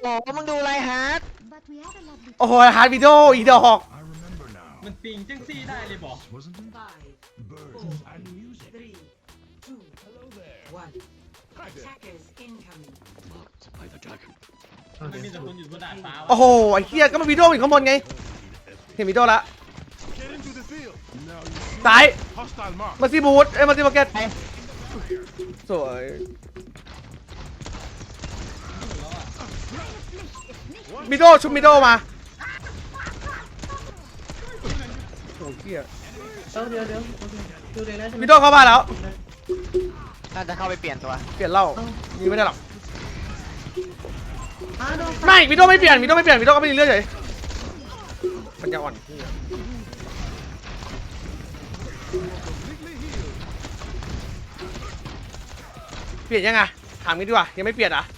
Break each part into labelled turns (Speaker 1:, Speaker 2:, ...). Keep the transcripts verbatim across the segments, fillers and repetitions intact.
Speaker 1: บอกว่ามึงดูไรฮาร์ด
Speaker 2: โอ้โหฮาร์ดวิดีโออีดอก
Speaker 3: มันปิงจังซี่ได้เลยบอก มันมีแต่คนอยู่บนดาดฟ้า
Speaker 2: โอ้โหไอ้เหี้ยก็มันวิดีโออยู่ข้างบนไงเห็นวิดีโอละซ้ายมาซีบูธเอ้ยมาซีมาร์เก็ตสวยมิโดชุบมิโดมาโอ้เหี้ย
Speaker 4: เดี๋ยวเดี๋ยวดูเลยนะ
Speaker 2: มิโดเข้าบ้านแล้ว
Speaker 1: น่าจะเข้าไปเปลี่ยนตัว
Speaker 2: เปลี่ยนเหล้ายิงไม่ได้หรอกไม่มิโดไม่เปลี่ยนมิโดไม่เปลี่ยนมิโดก็ไม่มีเลือดเลยปัญญาอ่อนเปลี่ยนยังไงถามกันดีกว่ายังไม่เปลี่ยนอ่ะ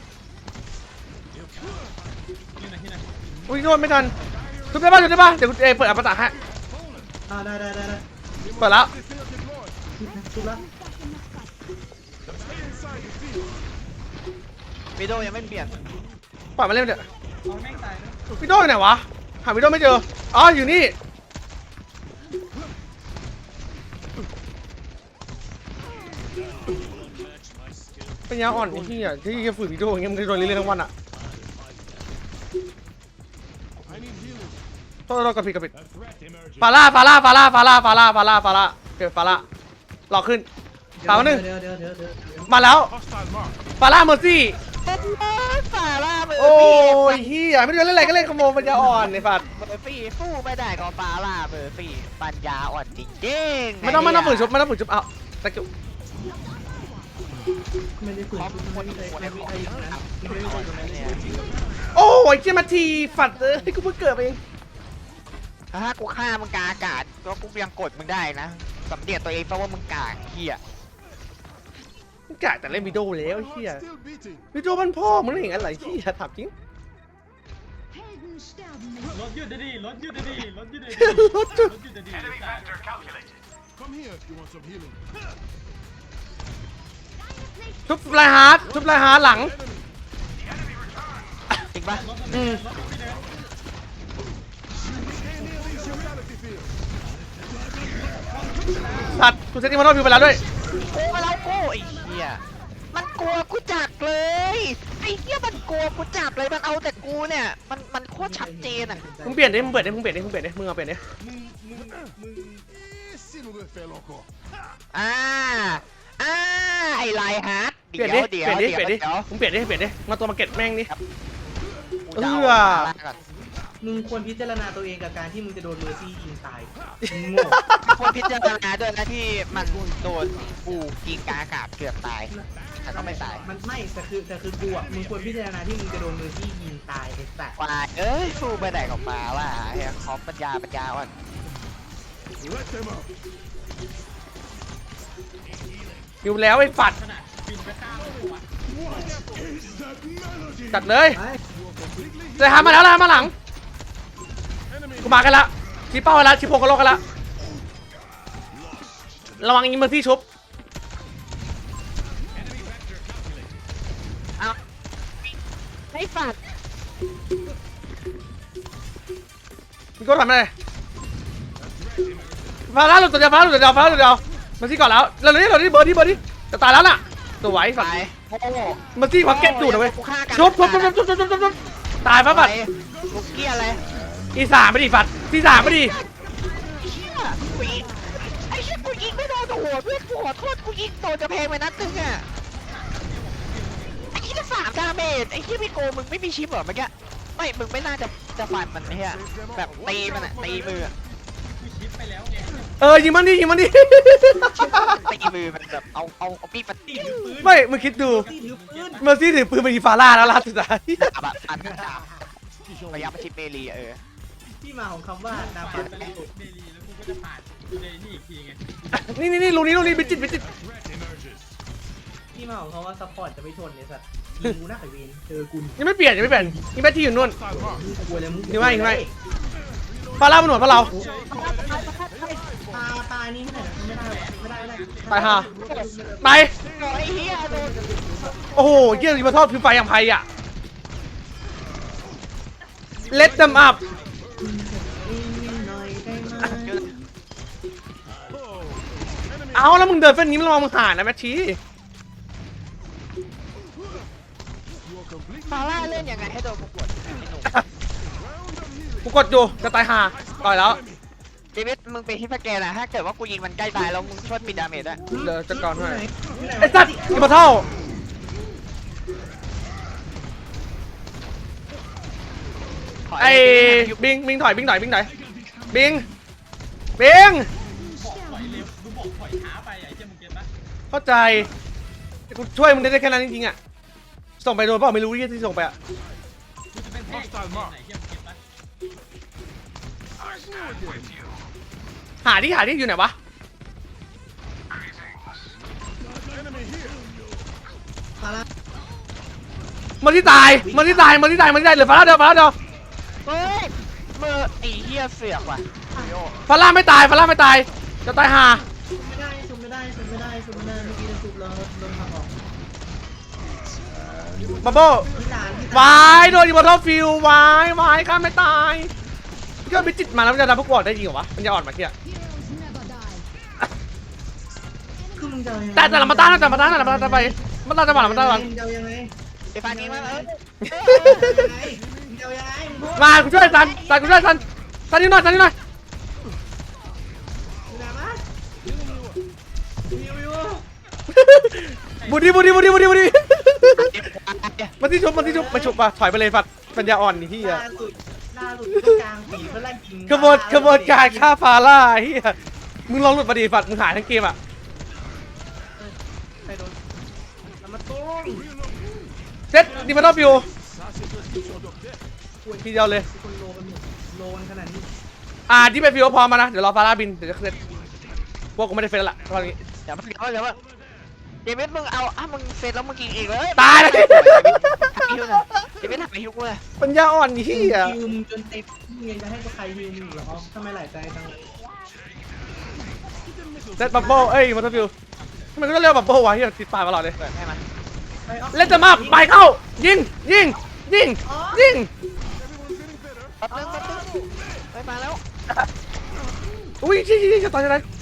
Speaker 2: อุ้ยโดนไม่ทันทุบได้ป่ะทุบได้ป่ะเดี๋ยวเอเปิดอัปตะฮะ
Speaker 4: อ่าได้ได้ได้ได้
Speaker 2: เปิดแล้ว
Speaker 4: ชุบแล้ว
Speaker 1: วิดีโอยังไม่เปลี่ยน
Speaker 2: ปล่อยมาเล่นเถอะ
Speaker 3: เอาแม่งตายนะ
Speaker 2: วิโดอยู่ไหนวะหาวิโดไม่เจออ๋ออยู่นี่ปัญญาอ่อนไอ้ที่อ่ะที่จะฝืนวิดีโออย่างเงี้ยมันจะโดนเรื่อยๆทั้งวันอ่ะโทษโทษกระปิดกระปิดฟาร่าฟาร่าฟาร่าฟาร่าฟาร่าฟาร่าฟาร่าเก็บฟาร่ารอขึ้นสามหนึ่ง
Speaker 4: เดี๋ยวเดี๋ยวเดี๋ยวเดี๋ยว
Speaker 2: มาแล้วฟาร่าเมอร์ซี่
Speaker 1: ฟาร่าเบอร์
Speaker 2: โอ้
Speaker 1: ฟี่
Speaker 2: ยเฮียไม่รู้เล่นอะไรก็เล่นขโมยปัญญาอ่อนไอ้ฝัด
Speaker 1: เบอร์ฟี่สู้ไม่ได้ก็ฟาร่าเบอร์ฟี่ปัญญาอ่อนจริงๆ
Speaker 2: ไม่ต้องไม่ต้องฝืนชุบไม่ต้องฝืนชุบเอาตะกิ้ว
Speaker 4: ไม่ได้ฝืนไม่ได้ไม่ได้ไม่ได้นะไม่ได้ตรงนั้นเนี่ย
Speaker 2: โอ้ยเจมาทีฝัดเอ้ยกูเพิ่งเกิดเอง
Speaker 1: ถ้ากูฆ่ามึงกาอากาศก็กูยังกดมึงได้นะสำเนียกตัวเองเพราะว่ามึงกากเหี้ย
Speaker 2: มึงกะแต่เล่นวิดีโอแล้วเฮียวิดีโอมันพ่อมึงเห็นอะไรเฮียถามจริง
Speaker 3: รถยืดได้ดีรถยืดได้ดีรถยืดได้ดี
Speaker 2: รถจุด
Speaker 3: รถยืดได้ดี
Speaker 2: ชุบไลฮาร์ดชุบไลฮาร์ดหลัง
Speaker 1: จริงปะ
Speaker 2: อืมสัตว์กูเซตติ้งมาโนวิวไปแล้วด้วย
Speaker 1: กูมาแล้วกูไอ้เหี้ยมันกลัวกูจักเลยไอ้เหี้ยมันกลัวกูจักเลยมันเอาแต่กูเนี่ยมันมันโคตรชัดเจนอ่ะ
Speaker 2: มึงเปลี่ยนดิมึงเปลี่ยนดิมึงเปลี่ยนดิมึงเปลี่ยนดิมึงเอาเปลี่ยนดิ
Speaker 3: มึงมึงมึง
Speaker 1: อ่าอ่าไอ้ไลฮาร์ด
Speaker 2: เปลี่
Speaker 1: เดี๋
Speaker 2: ยน
Speaker 1: ยว
Speaker 2: ดิ
Speaker 1: เดี๋ยว
Speaker 2: เปลี่ยนดิเปลี่ยนดิ
Speaker 1: เดี๋ยว
Speaker 2: มึงเปลี่ยนดิเปลี่ยนดิมาตัวมาเก็ตแม่งดิ
Speaker 1: กูจะเอา
Speaker 2: เอื้อ
Speaker 1: ฟาร่าก่อน
Speaker 4: มึงควรพิจารณาตัวเองกับการที่มึงจะโดนเมอร์ซี่ยิงตายโง่
Speaker 1: ควรพิจารณาด้วยนะที่มันโดนกูยิงกาอากาศเกือบตายแต่ก็ไม่ตาย
Speaker 4: มันไม่แต่คือแต่คือกูอ่ะมึงควรพิจารณาที่มึงจะโดนเมอร์ซี่ยิงตายไอ้สัส
Speaker 1: วายเอ้ยสู้ไปไหนของมาว่าเฮียคอมปัญญาปัญญาอ่อน
Speaker 2: อยู่แล้วไอ้ฝัด
Speaker 3: ขนาดบินไปข้ามหัว
Speaker 2: จัดเลย
Speaker 4: ไอ้
Speaker 2: เลยหามาแล้วเลยหามาหลังกูมากันละชี้เป้ากันละชี้โพกันโลกกันละระวังอิมเมอร์ซี่ชุบ
Speaker 1: เอาไม่ฝัด
Speaker 2: มึงก็ทำอะไรฟาร่าหลุดตัวเดียวฟาร่าหลุดตัวเดียวฟาร่าหลุดตัวเดียวมาซี่ก่อนแล้วเราเลยเราได้เบอร์ดี้เบอร์ดี้จะตายแล้วน่ะตัวไหวฝัด
Speaker 1: ไปโอ้โห
Speaker 2: มาซี่พักเก็ตอยู่นะเว้ย
Speaker 1: กูฆ่ากัน
Speaker 2: ชุบชุบชุบชุบชุบชุบชุบชุบตายปะฝัด
Speaker 1: ลูกเกี้ยอะไร
Speaker 2: อีสามไม่ดีฝัดที่สามไม่ดี
Speaker 1: เชี่ยกูยิงไอ้เชี่ยกูยิงไม่โดนหัวเพื่อนกูขอโทษกูยิงโดนจะเพลงไปนัดนึงอ่ะไอ้เชี่ยสามดาเมจไอ้เชี่ยพี่โกมึงไม่มีชิปเหรอเมื่อกี้ไม่มึงไม่น่าจะจะฟันมันเฮียแบบตีมันอะตีมือ
Speaker 3: กูชิปไปแล้วไง
Speaker 2: เออยิงมันดิยิงมันดิ
Speaker 1: ตีมือมันแบบเอาเอาเอาปีดมาตี
Speaker 2: ไม่มึงคิดดู
Speaker 4: ที่ถือปืน
Speaker 2: เมอร์ซี่ถือปืนไปยิงฟาร่าแล้วล่าสุดท้าย
Speaker 1: ดาบอะอันดาบพยายามมาชิปเมลีเออ
Speaker 4: ที่มาของคำว่าดา
Speaker 3: ปา
Speaker 4: ฟั
Speaker 3: ด
Speaker 4: น
Speaker 3: ไปเลยเดลีแล้วกูก็จะปาดกูเลยนี่อีกทีไง
Speaker 2: นี่นี่นี่ลูกนี้ลูกนี้บิจิตบิจิต
Speaker 4: ที่มาของคำว่าซัพพอร์ตจะไม่ทนเนี่ยสัสยิงกูหน้าไข่เวนเจอกู
Speaker 2: ยังไม่เปลี่ยนยังไม่เปลี่ยนยังไม่ที่อยู่นู่น
Speaker 4: มึงกลัวเลยมึง
Speaker 2: นี่ไม่นี่ไม่ ฟาร่ามันหนวดเพราะเรา
Speaker 4: ปลาปลานี่ไม่ได้ไม่ได้ไม่ได้ไม่ได้
Speaker 2: ไปฮะไป
Speaker 1: ไอ้เฮียโดน
Speaker 2: โอ้โหเยี่ยมมาทอดคือไฟอย่างไพอ่ะ let them up
Speaker 4: หน่อยได้ไหม
Speaker 2: เอาแล้วมึงเดินเส้นนี้มึงระวังมึงหายนะแมทชี
Speaker 1: ฟาร่าเล่นยังไงให้โดนกูกดไอ้หนุ่ม
Speaker 2: กูกดอยู่จะตายห่าต่อยแล้ว
Speaker 1: เดวิดมึงไปที่สแกนนะถ้าเกิดว่ากูยิงมันใกล้ตายแล้วมึงช่วยปิดดาเมจด้วย
Speaker 2: เดี๋ยวจัดการให้
Speaker 4: ไหน
Speaker 2: ไอ้สัตว์อิมมอร์ทัล
Speaker 1: ขอ
Speaker 2: ไอ้
Speaker 1: ให้
Speaker 2: บิงบิงถอยบิงถอยบิงถอยบิงบิง
Speaker 3: บอกถอยเร็วมึงบอกถอยช้าไปไอ้เจ้ามึงเก็ตปะ
Speaker 2: เข้าใจกูช่วยมึงได้แค่นั้นจริงๆอ่ะส่งไปโดนเปล่าไม่รู้ที่ส่งไปอ่ะ
Speaker 3: กูจะเป็นแพ้เกมไหนเจ้ามึงเก็ตปะ
Speaker 2: หาที่หาที่อยู่ไหนวะมันที่ตายมันที่ตายมันที่ตายมันที่ตายเหลือฟาร่าเดียวฟาร่าเดียว
Speaker 1: เฮ้ยมือไอ้เหี้ยเสือกว่ะโย
Speaker 2: ฟาร่าไม่ตายฟาร่าไม่ตายจะตายห่า
Speaker 4: ไม่ได้ซุมไม่ได้ซุมไม่ได้ซุมไม่ได้เมื่อกี้จะซุมแล้วโดนทำออก
Speaker 2: บับเบิ้ล
Speaker 4: ที่ร้านที่
Speaker 2: วายโดนอิมมอร์ทัลฟิลวายวายข้าไม่ตายก็ไปจิตมาแล้วมันจะทำพวกบอดได้จริงเหรอวะมันจะอ่อนมาเที่ย
Speaker 4: คือมึงจะยังไง
Speaker 2: แต่แต่ละมาต้านแต่ละมาต้านแต่ละมาต้านไปมันต้านจังหวะมันต้านจังหวะ
Speaker 4: มึงจะยังไง
Speaker 1: ไอ้ฟันยิงมาเออ
Speaker 4: ยังไงมึงจะยังไงมึงพูด
Speaker 2: มากูช่วยซันซันกูช่วยซันซันนิดหน่อยซันนิดหน่อย
Speaker 4: มึงนะมาวิววิว
Speaker 2: บุดีบุดีบุดีบุดีบุดีมันที่ชุบมันที่ชุบมาชุบป่ะถอยไปเลยฟัดปัญญาอ่อนนี่ที่
Speaker 4: ล่า
Speaker 2: อ่ะ
Speaker 4: สุดล่าสุดต้องกลางปีเพื่อไล่ยิง
Speaker 2: ขบวนขบวนการฆ่าฟาร่าเฮียมึงลองหลุดมาดีฟัดมึงหายทั้งเกมอ่ะ
Speaker 4: ไปโดนแล้วมาตุ้ง
Speaker 2: เซ็ตดิมาโนฟิวทีเดียวเลย
Speaker 4: คนโลกันหมดโลกันขนาดนี้
Speaker 2: อ่าที่ไปฟิวพร้อมมานะเดี๋ยวรอฟาร่าบินเดี๋ยวจะเซ็ตพวกกูไม่ได้เฟซแล้วล่ะตอนนี้
Speaker 1: เดี๋ยวมันเดี๋ยวเดี๋ยวเดวิดมึงเอาอ่ะมึงเสร็จแล้วมึงกินเองเลย
Speaker 2: ตายเลย
Speaker 1: ฮิวนะเดวิดหักไปฮิวกูเลย
Speaker 2: ปัญญาอ่อนนี่เฮีย
Speaker 4: ฮิวมึงจนเต็มมึงยังจะให้ใครฮิวมึงเหรอทำไมหลายใจจัง
Speaker 2: เซ็ตบับเบิ้ลเอ้ยมาโนฟิวทำไมก็ต้องเรียกบับเบิ้ลวะเฮียติดปากตลอดเลย
Speaker 1: เปิดให้มัน
Speaker 2: เล่นจะมาไปเข้ายิงยิงยิงยิง
Speaker 1: แป๊บนึงแป๊บนึงไปมาแล้ว
Speaker 2: อุ้ยชี้ชี้จะตายจะตาย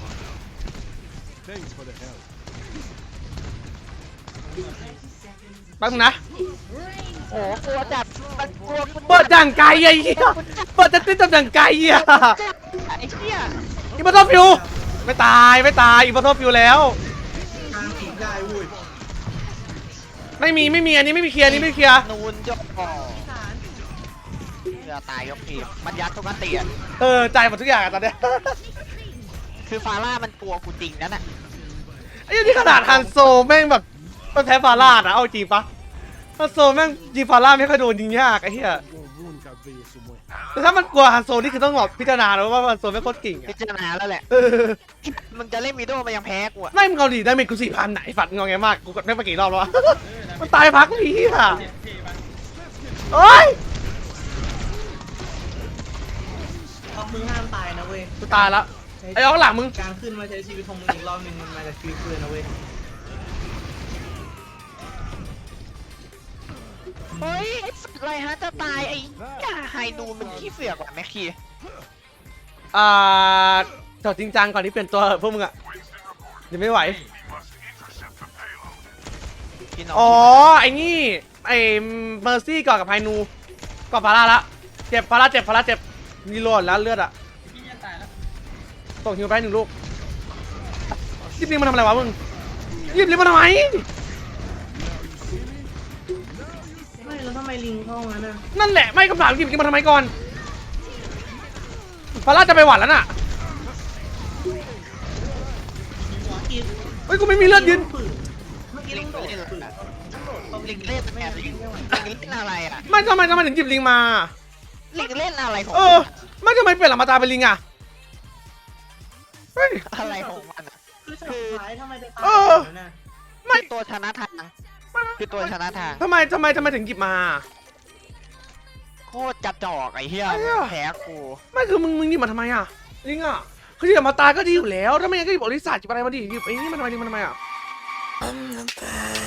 Speaker 2: แป๊บนึงนะ
Speaker 1: โอ้กลัวจัดมันกลัวกู
Speaker 2: เปิดดังไกลไอ้เหี้ยเปิดจะติดดังไกลอ่ะ
Speaker 1: ไอ้เหี้ย
Speaker 2: อิมมอร์ทัลฟิวไม่ตายไม่ตายอิมมอร์ทัลฟิวแล้ว
Speaker 4: กลางปีได้วุ้ย
Speaker 2: ไม่มีไม่มีอันนี้ไม่มีเคลียร์อันนี้ไม่เคลียร์
Speaker 1: นูนจบก่อเสือตายยกทีมมันยัดทุกอันตีอ่ะ
Speaker 2: เออจ่ายหมดทุกอย่างอะตอนเนี้ย
Speaker 1: คือฟาร่ามันกลัวกูจริงนั่นน่ะ
Speaker 2: ไอ้ยี่นี่ขนาดฮันโซแม่งแบบมันแพ้ฟาร่านะเอาจริงปะฮันโซแม่งยิงฟาร่าไม่ค่อยโดนยิงยากไอ้เหี้ยแต่ถ้ามันกลัวฮันโซนี่คือต้องแบบพิจารณาแล้วว่าฮันโซไม่งโคตรเก่ง
Speaker 1: พิ
Speaker 2: อะ
Speaker 1: จารณาแล้วแหละ
Speaker 2: เออ
Speaker 1: มึงจะเล่นวีโดมันยังแพ้กูอ่ะ
Speaker 2: ไม่มึงเอาดีได้เมจกูสี่พันไหนฝัดงอแงมากกูกดไม่มากี่รอบแล้ววะ มันตายพักนี้อ่ะ
Speaker 3: เจ็ดเท่ปะ
Speaker 2: โอ้ย
Speaker 4: เอามึงห้ามตายนะเว้ย
Speaker 2: กูตายแล้วไอ้อ้องหลังมึง
Speaker 4: การขึ้นมาใช้ชีวิตของมึงอีกรอบนึงมันมาจากชีวิตเพื่อนนะเว้ย
Speaker 1: เฮ้ยไอ้สัตว์อะไรฮะจะตายไอ้ย่าไฮนูนมันขี้เสือกกว่าแม็กคี
Speaker 2: อ่าจอดจริงจังก่อนที่เปลี่ยนตัวเถอะพวกมึงอ่ะยังไม่ไหว
Speaker 1: พี่น้อง
Speaker 2: อ๋อไอ้นี่ไอ้เมอร์ซี่ก่อนกับไฮนูก่อนฟาร่าละเจ็บฟาร่าเจ็บฟาร่าเจ็บมีโลดแล้วเลือดอ่ะ
Speaker 3: พี่จะตายแล้ว
Speaker 2: ส่งฮิวไปหนึ่งลูกยิบลิงมันทำอะไรวะมึงยิบลิงมันทำไม
Speaker 4: ไม่แล้วทำไมลิงเข้างั้นน่ะ
Speaker 2: นั่นแหละไม่คำถามยิบลิงมันทำไมก่อนฟาร่าจะไปหวัดแล้วน่ะ
Speaker 4: กิน
Speaker 2: เฮ้ยกูไม่มีเลือดยืน
Speaker 4: เมื่อกี้
Speaker 1: ลิ
Speaker 4: ลิ
Speaker 1: ง
Speaker 4: งโดด
Speaker 1: เล่น
Speaker 4: ฝืน
Speaker 1: ลิงเล่นแอบลิงลิงเล่นอะไรอ่ะ
Speaker 2: ไม่ทำไมทำไมถึงยิบลิงมา
Speaker 1: ลิงเล่นอะไรของ
Speaker 2: เออไม่ทำไมเปลี่ยนหลังมาตาเป็นลิงอ่ะเฮ้ย
Speaker 1: อะไรของมันอ่ะ
Speaker 4: คือสุดท้ายทำไมไปตาย
Speaker 2: เออ
Speaker 4: แบบนั้นน่ะ
Speaker 2: ไม่
Speaker 1: ตัวชนะทางคือตัวชนะทาง
Speaker 2: ทำไมทำไมทำไมถึงหยิบมา
Speaker 1: โคตรจับจอกไอ้เหี้ย
Speaker 2: ไอ้เหี้ย
Speaker 1: แพ้กู
Speaker 2: ไม่คือมึงมึงหยิบมาทำไมอ่ะลิงอ่ะคือหยิบมาตาก็ดีอยู่แล้วถ้าไม่งั้นก็หยิบอริสาหยิบอะไรมาดิหยิบไอ้นี่มันทำไมลิงมันทำไมอ่ะ
Speaker 5: I'm the bad